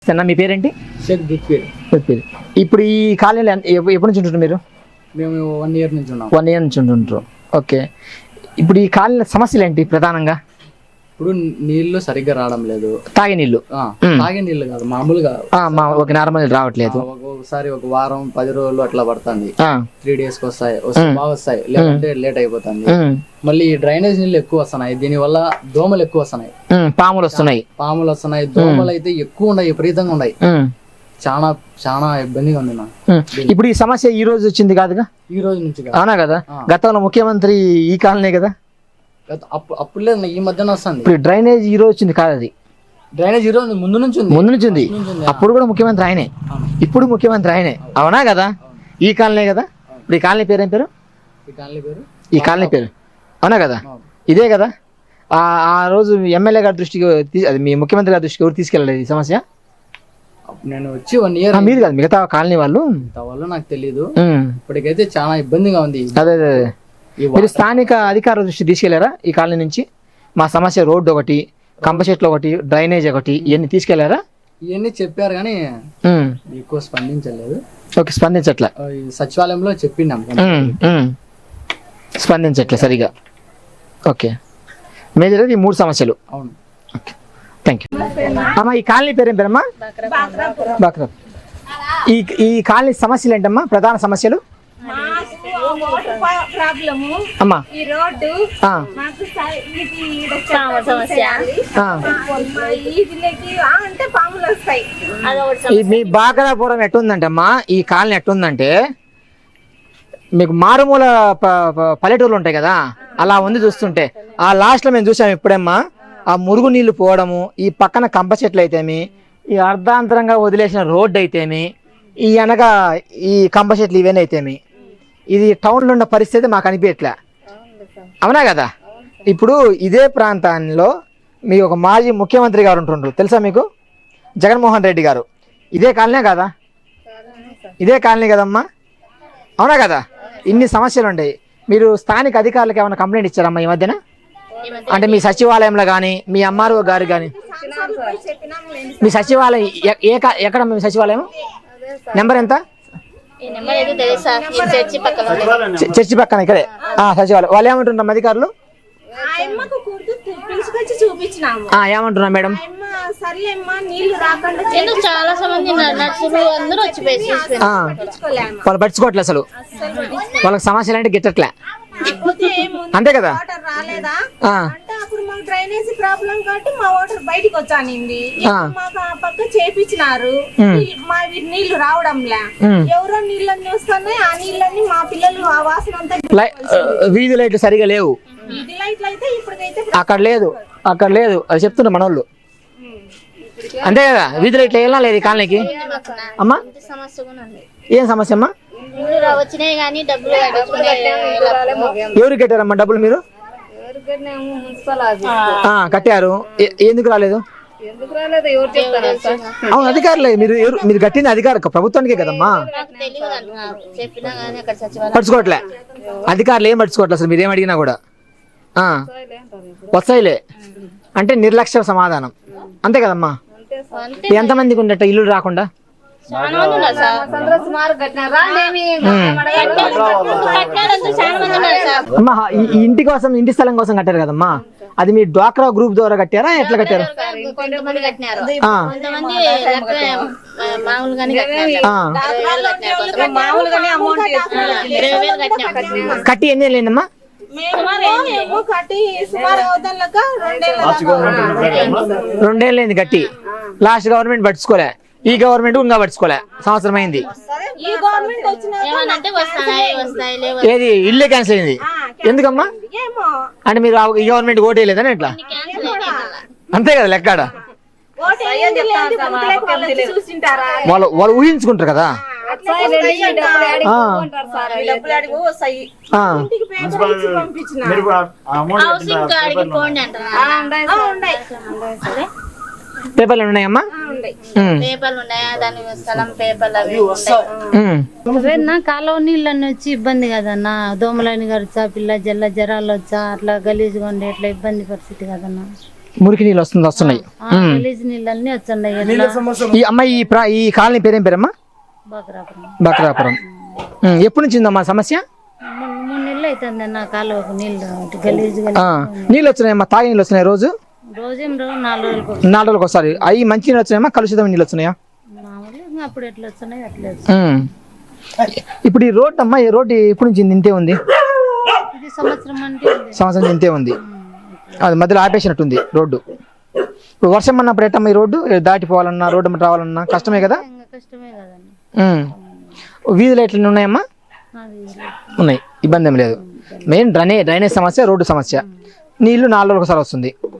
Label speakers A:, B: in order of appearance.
A: మీ పేరేంటి?
B: షేక్ దిక్పీర్.
A: ఇప్పుడు ఈ కాలనీలో ఎప్పటి నుంచి ఉంటున్నారు మీరు?
B: మేము 1 year నుంచి ఉన్నాం.
A: 1 year నుంచి ఉంటుంటారు. ఓకే. ఇప్పుడు ఈ కాలనీలో సమస్యలు ఏంటి ప్రధానంగా?
B: ఇప్పుడు నీళ్లు సరిగ్గా రావడం లేదు.
A: తాగే నీళ్లు
B: కాదు, మామూలుగా
A: నార్మల్ రావట్లేదు.
B: ఒకసారి ఒక వారం 10 రోజులు అట్లా పడుతుంది. 3 days కి వస్తాయి, బాగా వస్తాయి, లేదంటే లేట్ అయిపోతుంది. మళ్ళీ డ్రైనేజ్ నీళ్ళు ఎక్కువ వస్తున్నాయి, దీని వల్ల దోమలు ఎక్కువ వస్తున్నాయి,
A: పాములు వస్తున్నాయి.
B: దోమలు అయితే ఎక్కువ ఉన్నాయి, విపరీతంగా ఉన్నాయి. చాలా చాలా ఇబ్బందిగా ఉంది నాకు.
A: ఇప్పుడు ఈ సమస్య ఈ రోజు వచ్చింది కాదుగా?
B: ఈ రోజు నుంచి
A: అవునా కదా? గతంలో ముఖ్యమంత్రి ఈ కాలనీ కదా?
B: అప్పుడు లేదు, ఈ మధ్యన వస్తుంది.
A: ఇప్పుడు డ్రైనేజ్ ఈ రోజు వచ్చింది కాదు, అది
B: డ్రైనేజ్ ఈ రోజు ముందు నుంచి
A: ఉంది. అప్పుడు కూడా ముఖ్యమంత్రి ఆయనే, ఇప్పుడు ముఖ్యమంత్రి ఆయనే. అవునా కదా? ఈ కాలనీ కదా? ఇప్పుడు ఈ కాలనీ పేరు ఏం పేరు? ఈ కాలనీ పేరు అవునా కదా? ఇదే కదా? ఆ రోజు ఎమ్మెల్యే గారి దృష్టికి, అది మీ ముఖ్యమంత్రి గారి దృష్టికి ఎవరు తీసుకెళ్ళలేదు ఈ సమస్య?
B: నేను వచ్చి 1 year.
A: మీరు కాదు, మిగతా కాలనీ వాళ్ళు
B: నాకు తెలియదు. ఇప్పటికైతే చాలా ఇబ్బందిగా ఉంది.
A: అదే మీరు స్థానిక అధికారుల దృష్టి తీసుకెళ్లారా? ఈ కాలనీ నుంచి మా సమస్య రోడ్డు ఒకటి, కంప చెట్లు ఒకటి, డ్రైనేజ్ ఒకటి, ఇవన్నీ తీసుకెళ్లారా?
B: ఇవన్నీ చెప్పారు కానీ ఎక్కువ స్పందించలేదు.
A: ఓకే, స్పందించట్లే.
B: సచివాలయంలో చెప్పినాం,
A: స్పందించట్లే సరిగా. ఓకే, మేజర్ ఈ 3 సమస్యలు.
B: అవును.
A: Okay, thank you. అమ్మా, ఈ కాలనీ పేరేం పేరమ్మా? బాక్రా. ఈ కాలనీ సమస్యలు ఏంటమ్మా, ప్రధాన సమస్యలు? అమ్మా, మీ బాకరాపురం ఎట్టుందంటమ్మా, ఈ కాలనీ ఎట్టుందంటే మీకు మారుమూల పల్లెటూర్లు ఉంటాయి కదా, అలా ఉంది చూస్తుంటే. ఆ లాస్ట్ లో మేము చూసాము ఇప్పుడమ్మా, ఆ మురుగు నీళ్లు పోవడము, ఈ పక్కన కంప చెట్లు అయితేమి, ఈ అర్ధాంతరంగా వదిలేసిన రోడ్డు అయితేమి, ఈ అనగా ఈ కంప చెట్లు ఇవన్నీ అయితేమి, ఇది టౌన్లో ఉన్న పరిస్థితి మాకు అనిపించట్లే. అవునా కదా? ఇప్పుడు ఇదే ప్రాంతాల్లో మీ ఒక మాజీ ముఖ్యమంత్రి గారు ఉంటుండ్రు, తెలుసా మీకు? జగన్మోహన్ రెడ్డి గారు. ఇదే కాలనీ కదా? ఇదే కాలనీ కదమ్మా? అవునా కదా? ఇన్ని సమస్యలు ఉన్నాయి. మీరు స్థానిక అధికారులకు ఏమైనా కంప్లైంట్ ఇచ్చారమ్మా ఈ మధ్యన? అంటే మీ సచివాలయంలో కానీ, మీ ఎంఆర్ఓ గారు కానీ? మీ సచివాలయం ఎక్కడ? మీ సచివాలయం నెంబర్ ఎంత? చర్చి పక్కన ఇక్కడే సచివాలయం. వాళ్ళు ఏమంటున్నారు అధికారులు? ఏమంటున్నా మేడం? వాళ్ళు పట్టించుకోవట్లే అసలు, వాళ్ళకి సమస్యలు అంటే గిట్టట్లే, అంతే కదా?
C: డ్రైనేజ్ ప్రాబ్లం కాబట్టి మా వాటర్ బయటికి వచ్చానింది, మాకు ఆ పక్క చేపించినారు. మా నీళ్లు రావడంలే, ఎవరో నీళ్ళని వస్తున్నాయి, ఆ నీళ్ళని మా పిల్లలు ఆ వాసన అంతా.
A: వీధి లైట్లు సరిగా లేవు,
C: వీధి లైట్లు అయితే ఇప్పటికైతే
A: అక్కడ లేదు అది చెప్తున్నారు మనోళ్ళు, అంతే కదా? వీధి లైట్లు వెళ్ళా లేదు ఈ కాలనీకి. అమ్మా, ఏం సమస్య అమ్మా? ఎవరు కట్టారమ్మా డబ్బులు? మీరు కట్టారు, ఎందుకు రాలేదు? అవును, అధికారులే. మీరు కట్టిన అధికారు ప్రభుత్వానికే కదమ్మా, పడుచుకోవట్లే అధికారులు, ఏం పడుచుకోవట్లే అసలు. మీరేం అడిగినా కూడా వస్తాయిలే అంటే నిర్లక్ష్య సమాధానం, అంతే కదమ్మా? ఎంతమందికి ఉండట ఇల్లు రాకుండా? అమ్మా, ఈ ఇంటి కోసం, ఇంటి స్థలం కోసం కట్టారు కదమ్మా, అది మీ డ్వాక్రా గ్రూప్ ద్వారా కట్టారా, ఎట్లా కట్టారు? కట్టి ఎన్ని ఏళ్ళైందమ్మా? 2 ఏళ్ళైంది కట్టి. లాస్ట్ గవర్నమెంట్ పట్టించుకోలే, ఈ గవర్నమెంట్ ఇంకా పట్టించుకోలే, సంవత్సరం అయింది. ఏది ఇల్లే క్యాన్సిల్ అయింది, ఎందుకమ్మా? అంటే మీరు ఈ గవర్నమెంట్ ఓటు వేయలేదని ఎట్లా? అంతే కదా లెక్కాడ, వాళ్ళు ఊహించుకుంటారు కదా. పేపర్లు ఉన్నాయమ్మా?
D: కాలువ నీళ్ళని వచ్చి ఇబ్బంది కదన్నా, దోమలని గడిచా, పిల్ల జల్ల జ్వరాలు వచ్చా, అట్లా గలీజ్గా ఉండే, అట్లా ఇబ్బంది పరిస్థితి కదన్నా.
A: మురికి నీళ్ళు వస్తున్నాయి.
D: గలీజ్ నీళ్ళన్నీ వచ్చండి ఎట్లా
A: ఈ అమ్మాయి ఈ కాలనీ పేరేం పేరమ్మా?
D: బకరాపురం.
A: బక్రాపురం. ఎప్పటి నుంచి ఉందమ్మా సమస్య?
D: 3 నెలలు అవుతుంది అన్న కాలువకు నీళ్ళు గలీజ్
A: నీళ్ళు వచ్చినాయమ్మా? తాగే నీళ్ళు వస్తున్నాయి రోజు?
D: రోజేం 4 రోజులకు
A: 4 రోజులకు ఒకసారి. అవి మంచి నీళ్ళు వచ్చినాయమ్మా కలుషితమైన నీళ్ళు వచ్చినాయా?
D: మామూలుగా అప్పుడు ఎట్లా వస్తున్నాయి అట్లా వస్తున్నాయి.
A: ఇప్పుడు ఈ రోడ్డు అమ్మా, ఈ రోడ్డు ఎప్పటి నుంచి ఇంతే ఉంది?
D: ఇది సంవత్సరం అంటే ఉంది.
A: సంవత్సరం ఇంతే ఉంది. అది మధ్యలో ఆపేసినట్టుంది రోడ్డు. ఇప్పుడు వర్షం అన్నప్పుడు ఎట్టమ్మా ఈ రోడ్డు దాటిపోవాలన్నా రోడ్డు రావాలన్నా కష్టమే కదా?
D: ఇంకా కష్టమే కదండి.
A: వీధులు ఎట్లా ఉన్నాయమ్మా?
D: అది
A: ఉన్నాయి, ఇబ్బంది ఏం లేదు. మెయిన్ డ్రైనేజ్ సమస్య, రోడ్డు సమస్య. నీళ్లు 4 రోజులకు ఒకసారి వస్తుంది.